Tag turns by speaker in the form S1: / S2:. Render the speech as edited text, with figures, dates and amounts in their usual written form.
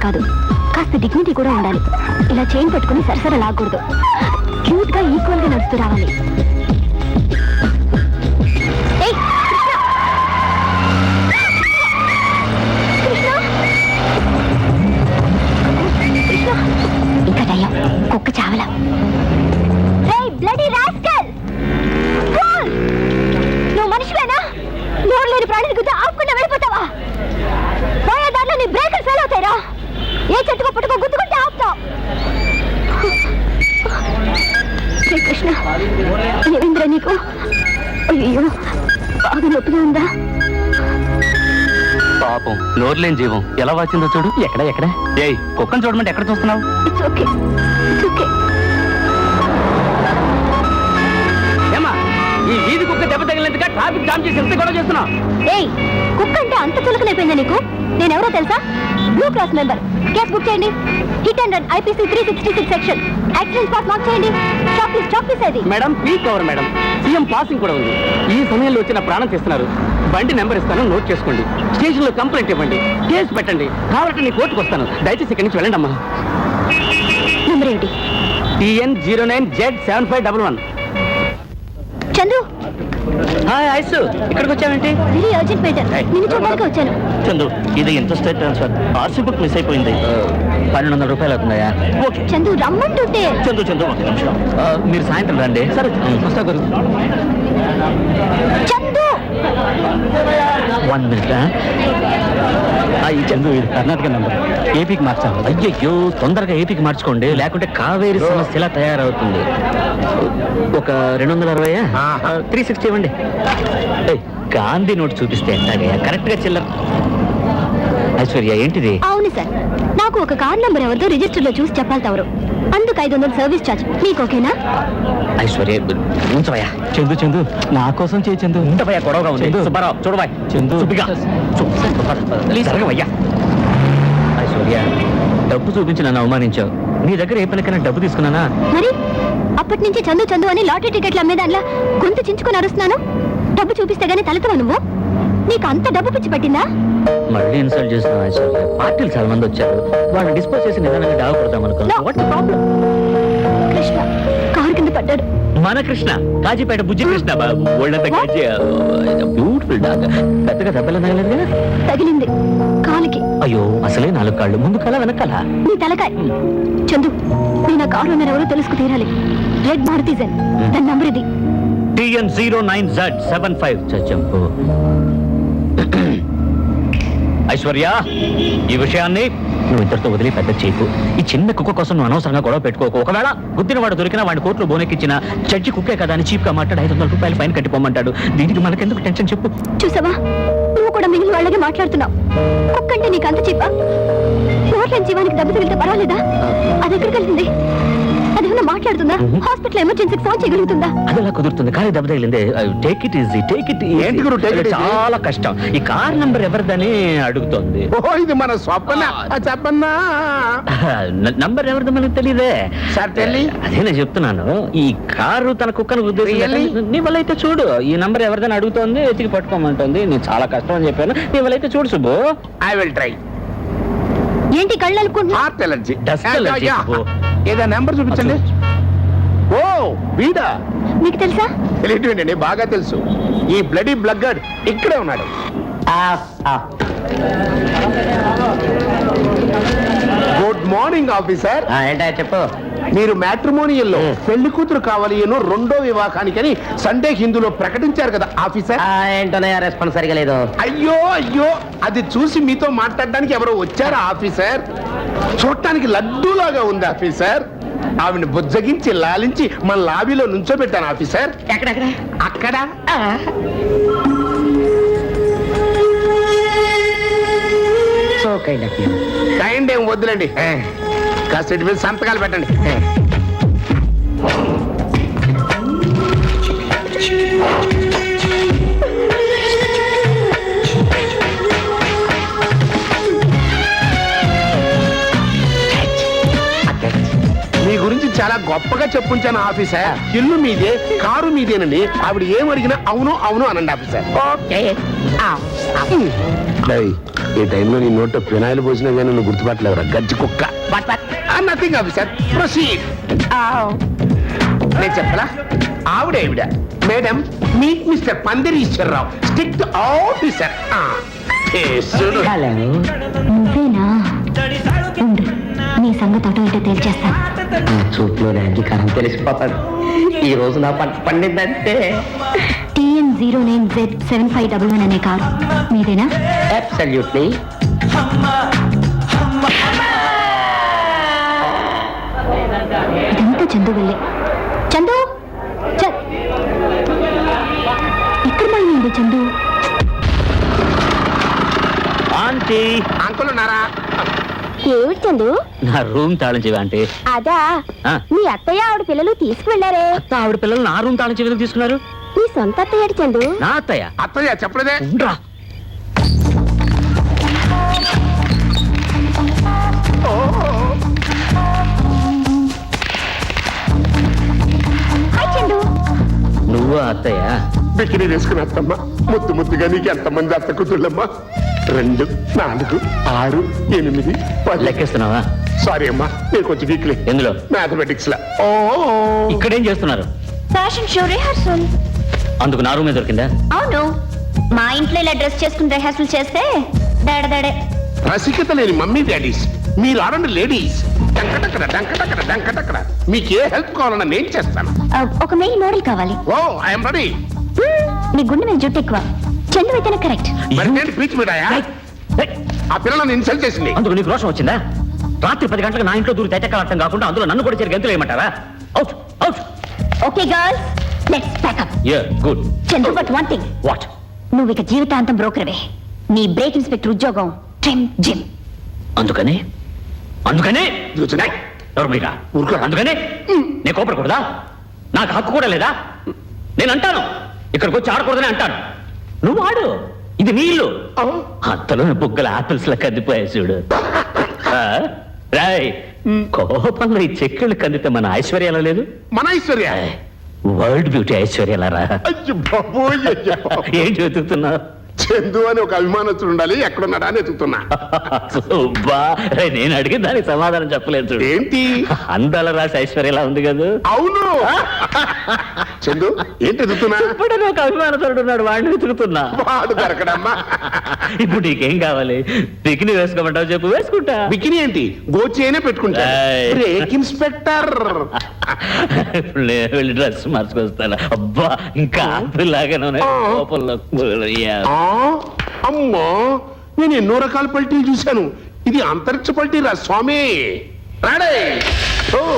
S1: కాదు, కాస్త డిగ్నిటీ కూడా ఉండాలి. ఇలా చైన్ పట్టుకుని సరసర లాగకూడదు. క్యూట్ గా ఈక్వల్ గా నడుస్తూ రావాలి. ఇంకా టైం, కుక్క చావలా. నువ్వు మనిషివేనా? నోరు లేని ప్రాణిని గుద్ద ఆపుకుండా వెళ్ళిపోతావా? పోయే దాంట్లో నీ బ్రేకర్ ఫెయిల్ అవుతాయిరా. ఏ చెట్టుకో పుట్టుకో గుద్దుకుంటే ఆపుతావు. శ్రీకృష్ణ, ఏమింద్రా నీకు? అయ్యో, బాగా నొప్పిగా ఉందా?
S2: పాపం నోరులేని జీవం ఎలా వచ్చిందో చూడు. ఎక్కడ ఏయ్, కుక్కను చూడమంటే ఎక్కడ చూస్తున్నావు?
S1: It's okay, it's okay.
S2: ఏమా, ఈ వీధి కుక్క దెబ్బ తగిలినందుగా ట్రాఫిక్ జామ్ చేసి ఎంత గొడవ చేస్తున్నావు?
S1: ఏయ్, కుక్క అంటే అంత చులకనైపోయిందా నీకు? నేనెవరో తెలుసా? Blue cross member. Case book చేయండి. Hit and run IPC 366 section. Accident spot mark చేయండి. స్టాప్ ప్లీజ్ అది.
S2: Madam, peak hour madam. CM passing కూడా ఉంది. ఈ సమయంలో వచ్చిన ప్రాణం తీస్తున్నారు. బండి నెంబర్ ఇస్తాను, నోట్ చేసుకోండి. స్టేషన్ లో కంప్లైంట్ ఇవ్వండి, కేసు పెట్టండి. కావాలంటే నీ కోర్టుకు వస్తాను. దయచేసి ఇక్కడి నుంచి వెళ్ళండి అమ్మా.
S1: నెంబర్ ఏంటి?
S2: TN 09Z7511.
S1: Chandu,
S2: hi ice, ఇక్కడికి వచ్చావేంటి?
S1: Very urgent matter. నిన్ను చూడడానికి వచ్చాను.
S2: చందు, ఇది interested transfer. RC book miss అయిపోయింది. 1200 రూపాయలు అవుతుందా? ఓకే
S1: చందు, రమ్మంటుంటే.
S2: చందు ఒక నిమిషం. మీరు సాయంత్రం రండి. సరే వస్తా గురు.
S1: చందు,
S2: 1 మినిట్. ఈ చందు, ఇది కర్ణాటక నెంబర్. ఏపీకి మార్చాలి. అయ్యయ్యో, తొందరగా ఏపీకి మార్చుకోండి, లేకుంటే కావేరి సమస్య ఎలా తయారవుతుంది. ఒక 260, 360 ఇవ్వండి. గాంధీ నోట్ చూపిస్తే ఎట్లాగయ్యా? కరెక్ట్ గా చిల్లర. ఐశ్వర్య, ఏంటిది?
S1: అవును సార్, నాకు ఒక కార్ నంబర్ ఎవరితో రిజిస్టర్ లో చూసి చెప్పాలి తవరు. అందుకు 500 సర్వీస్ ఛార్జ్. మీకు ఓకేనా? ఐశ్వర్య,
S2: ఉంచవయ్యా. చందు నా కోసం చేయి. చందు ఉంటవయ్యా, గొడవగా ఉంది. సుబ్బారావు చూడబాయ్. చందు అయ్యా. ఐశ్వర్య, డబ్బు చూపించి నన్ను అవమానించావు. నీ దగ్గర ఏ పనికైనా డబ్బు తీసుకున్నానా?
S1: మరి అప్పటి నుంచి చందు అని లాటరీ టికెట్లు అమ్మేదానిలా గొంతు చించుకొని అరుస్తున్నాను. డబ్బు చూపిస్తే గానీ తలెత్తవా నువ్వు? నీకు అంత డబ్బు పిచ్చి పట్టిందా?
S2: మళ్ళీ ఇన్సల్ట్ చేస్తున్నావు ఐశ్వర్య. పార్టీలు చాలా మంది వచ్చారు, వాళ్ళు డిస్పోజ్ చేసి నిదానంగా డాబా కొడతాం అనుకున్నా.
S1: కృష్ణ కారు కింద పడ్డాడు.
S2: మన కృష్ణ, కాజీపేట బుజ్జి కృష్ణ బాబు. ఒళ్ళంతా కాజీ, బ్యూటిఫుల్ డాగ్. పెద్దగా దెబ్బలు తగలేదు కదా?
S1: తగిలింది కాలికి.
S2: అయ్యో, అసలే 4 కాళ్ళు, ముందు కాల వెనకాల.
S1: నీ తలకాయ. చందు, నేను ఆ కారు ఎవరో తెలుసుకు తీరాలి. రెడ్ మారుతీజన్. దాని నంబర్ ఇది.
S2: TN 09Z75. చంపు. ఐశ్వర్య, ఈ విషయాన్ని నువ్వు ఇద్దరితో వదిలి పెద్ద చేయకు. ఈ చిన్న కుక్క కోసం నువ్వు అనవసరంగా గొడవ పెట్టుకోకు. ఒకవేళ గుద్దిన వాడు దొరికినా వాడి కోర్టులో బోనెక్కిచ్చిన జడ్జి కుక్కే కదా అని చీప్ గా మాట్లాడి 500 రూపాయలు ఫైన్ కట్టిపోమంటాడు. దీనికి మనకెందుకు టెన్షన్ చెప్పు.
S1: చూసావా, నువ్వు కూడా మిగిలిన వాళ్ళగే మాట్లాడుతున్నావు. కుక్కంటే నీకు అంత చీపా? నోట్లేని జీవానికి దెబ్బ తగిలితే పర్వాలేదా? అది ఎక్కడికి వెళ్తుంది? అదేమన్నా మాట్లాడుతుందా? హాస్పిటల్ ఎమర్జెన్సీకి ఫోన్ చేయగలుగుతుందా?
S2: అది ఎలా కుదురుతుంది? కానీ దెబ్బ తగిలింది. Take it easy. చాలా కష్టం. ఈ కార్ నంబర్ ఎవరిదని అడుగుతోంది.
S3: ఇది మన స్వప్న. చెప్పన్నా,
S2: నంబర్ ఎవరిదో మనకు తెలియదే. అదే నేను చెప్తున్నాను. ఈ కారు తన కుక్కను ఉద్దేశించి నీ వల్ల అయితే చూడు. ఈ నంబర్ ఎవరిదని అడుగుతోంది, ఎతికి పట్టుకోమంటుంది. నేను చాలా కష్టం అని చెప్పాను. నీ వల్ల అయితే చూడు సుబ్బు.
S3: I will try.
S1: ఏంటి కళ్ళు అనుకుంటున్నా?
S3: ఏదో నెంబర్ చూపించండి. ఓ, వీడా?
S1: మీకు తెలుసా?
S3: తెలియటండి, బాగా తెలుసు. ఈ బ్లడీ బ్లగ్గడ్ ఇక్కడే ఉన్నాడు. Good morning officer.
S2: ఏంటా చెప్పు.
S3: మీరు మ్యాట్రిమోనియల్లో పెళ్లి కూతురు కావాలి ఏనో రెండో వివాహానికని సండే హిందూలో ప్రకటించారు కదా ఆఫీసర్.
S2: ఏంటోనయ్యా, రెస్పాన్స్ సరిగా లేదు.
S3: అయ్యో, అది చూసి మీతో మాట్లాడడానికి ఎవరో వచ్చారా ఆఫీసర్? చూడటానికి లడ్డూలాగా ఉంది ఆఫీసర్. ఆవిడ బుజ్జగించి లాలించి మన లాబీలో నుంచోబెట్టాను ఆఫీసర్. అక్కడ కైండ్ ఏం వద్దులండి, కాస్త మీద సంతకాలు పెట్టండి. మీ గురించి చాలా గొప్పగా చెప్పుంచాను ఆఫీసర్. ఇల్లు మీదే, కారు మీదేనండి. ఆవిడ ఏమడిగినా అవును అవును అనండి ఆఫీసర్. ఈ టైంలో నీ నోట్లో ఫినాయిల్ పోసినా కానీ నువ్వు గుర్తుపట్టలేవురా గజ్జి కుక్క నథింగ్ ఆఫీసర్ ప్రొసీడ్ నేను చెప్పలా ఆవిడ మేడం మీట్ మిస్టర్ పందిరి ఈశ్వరరావు స్ట్రిక్ట్ ఆఫీసర్
S1: నువ్వేనా ఉండు, నీ సంగతి అటో ఇటో తేల్చేస్తా.
S2: చూపులో అంగీకారం తెలిసిపోతాడు. ఈ రోజు నా పంట పండిందంటే
S1: TN09Z7511 అనే కారు మీదేనా?
S2: అబ్సల్యూట్లీ.
S1: ఇదంతా చందు వెళ్ళే. చందు ఎక్కడ పోయింది చందు?
S2: ఆంటీ,
S3: అంకుల్ ఉన్నారా?
S1: ఏమిటి చందు?
S2: నా రూమ్ తాళం చెవి ఆంటీ.
S1: అదా
S2: ఆ.
S1: మీ అత్తయ్య ఆవిడ పిల్లలు తీసుకువెళ్లారే.
S2: అత్త ఆవిడ పిల్లలు నా రూమ్ తాళం చెవి తీసుకున్నారు.
S1: నీ సొంత అత్తయ్య చందు?
S2: నా అత్తయ్య.
S3: అత్తయ్య చెప్పలేదే.
S2: ఉండ్రా.
S1: హాయ్ చందు.
S2: నువ్వు అత్తయ్య?
S3: బికినీ వేసుకుని అత్తమ్మ ముద్దు ముద్దుగా నీకు ఎంతమంది అత్త కూతుళ్ళమ్మా? 2, 4, 6, 8, 10.
S2: లెక్కేస్తున్నావా?
S3: సారీ అమ్మా నేను కొంచెం వీక్లీ
S2: ఎందులో?
S3: మ్యాథమెటిక్స్ లా.
S2: ఇక్కడేం చేస్తున్నారు?
S1: Fashion show rehearsal.
S2: అందుకు నా రూమే దొరికిందా?
S1: అవును, మా ఇంట్లో ఇలా డ్రెస్ చేసుకుని రిహార్సల్ చేస్తే దడదడే.
S3: రసికత లేని మమ్మీ డాడీస్ మీరు ఆడండి లేడీస్. డంకటక్కడ డంకటక్కడ డంకటక్కడ మీకు ఏ హెల్ప్ కావాలన్నా నేను చేస్తాను.
S1: ఒక మెయిల్ మోడల్ కావాలి.
S3: Oh I'm ready.
S1: నీ గుండె మీద జుట్టు ఎక్కువ. చందు అయితేనే కరెక్ట్.
S3: మరి నేను పీచ్ మీడాయా? ఆ పిల్లలను ఇన్సల్ట్ చేసింది.
S2: అందుకు నీకు రోషం వచ్చిందా? రాత్రి 10 గంటలకు నా ఇంట్లో దూరి తెచ్చకాలటం కాకుండా అందులో నన్ను కూడా చేరి గంతులు వేయమంటారా? Out out.
S1: Okay girls, let's pack up.
S2: Yeah good.
S1: Chandu, but one thing.
S2: What?
S1: నువ్వు ఇక జీవితాంతం బ్రోకర్వే. నీ బ్రేక్ ఇన్స్పెక్టర్ ఉద్యోగం ట్రిమ్ జిమ్.
S2: అందుకని
S3: కూర్చున్నాయ్.
S2: ఎవరు మీరా?
S3: ఊరుకో.
S2: అందుకని నేను కోపడకూడదా? నాకు హక్కు కూడా లేదా? నేను అంటాను ఇక్కడికి వచ్చి ఆడకూడదని అంటాను. నువ్వు ఆడు, ఇది నీ ఇల్లు. అంతలో బుగ్గల ఆపిల్స్ లా కందిపోయాయి చూడు. రాయ్, కోపంలో ఈ చెక్కులు కందితే మన ఐశ్వర్యాల లేదు?
S3: మన ఐశ్వర్య.
S2: World beauty ఐశ్వర్యాలరా.
S3: అయ్యో బాబోయ్, అయ్యో బాబోయ్.
S2: ఏం చెబుతున్నావు?
S3: చందు అని ఒక అభిమానస్తుడు ఉండాలి, ఎక్కడున్నాడా అని ఎత్తుతున్నా.
S2: సుబ్బా, నేను అడిగిన దానికి సమాధానం చెప్పలేదు చూడు.
S3: ఏంటి?
S2: అందాల రాసి ఐశ్వర్యలా ఉంది కదా.
S3: అవును. చందు ఏంటి ఎత్తుతున్నా?
S2: ఇప్పుడు ఒక అభిమానతుడు ఉన్నాడు, వాడిని వెతుకుతున్నా.
S3: వాడు దొరకడమ్మా.
S2: ఇప్పుడు నీకేం కావాలి? బికిని వేసుకోమంటావు చెప్పు, వేసుకుంటా.
S3: బికిని ఏంటి, గోచేనే పెట్టుకుంటా.
S2: ఏయ్.
S3: Brake inspector.
S2: ఇప్పుడు నేను వెళ్ళి డ్రెస్ మార్చుకొస్తాను. అబ్బా, ఇంకా ఆపిల్లాగానే ఉన్నాయి. కోపంలో
S3: అమ్మో, నేను ఎన్నో రకాల పల్టీలు చూశాను, ఇది అంతరిక్ష పల్టీ రా స్వామి. రాడే.